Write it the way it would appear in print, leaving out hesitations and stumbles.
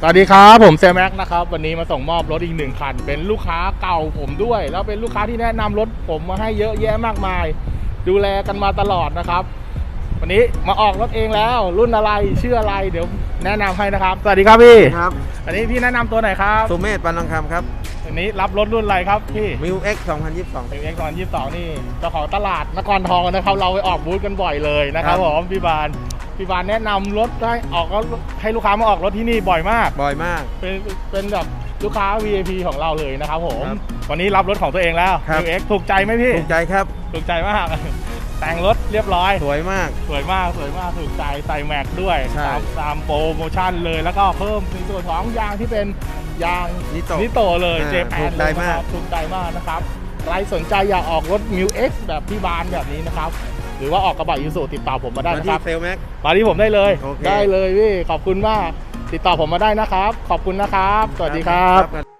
สวัสดีครับผมเซลแม็กนะครับวันนี้มาส่งมอบรถอีก1 คันเป็นลูกค้าเก่าผมด้วยแล้วเป็นลูกค้าที่แนะนำรถผมมาให้เยอะแยะมากมายดูแลกันมาตลอดนะครับวันนี้มาออกรถเองแล้วรุ่นอะไรชื่ออะไรเดี๋ยวแนะนำให้นะครับสวัสดีครับพี่ครับอันนี้พี่แนะนำตัวไหนครับสุเมธปันทองคำครับอันนี้รับรถรุ่นอะไรครับพี่มิว X 2022 มิว X 2022นี่เจ้าของตลาดนครทองนะครับเราไปออกบูธกันบ่อยเลยนะครับผมพี่บานแนะนำรถให้ลูกค้ามาออกรถที่นี่บ่อยมากเป็นแบบลูกค้า VIP ของเราเลยนะครับผมวันนี้รับรถของตัวเองแล้ว New X ถูกใจไหมพี่ถูกใจครับถูกใจมากแต่งรถเรียบร้อยสวยมากถูกใจใส่แม็กด้วยตามโปรโมชั่นเลยแล้วก็เพิ่มในส่วนของยางที่เป็นยางนิโตเลยเจแปนเลยนะครับถูกใจมากนะครับใครสนใจอยากออกรถ New X แบบพี่บานแบบนี้นะครับหรือว่าออกกระบะยูสุติดต่อผมมาได้นะครับมาที่ผมได้เลยพี่ขอบคุณมากติดต่อผมมาได้นะครับขอบคุณนะครับสวัสดีครับ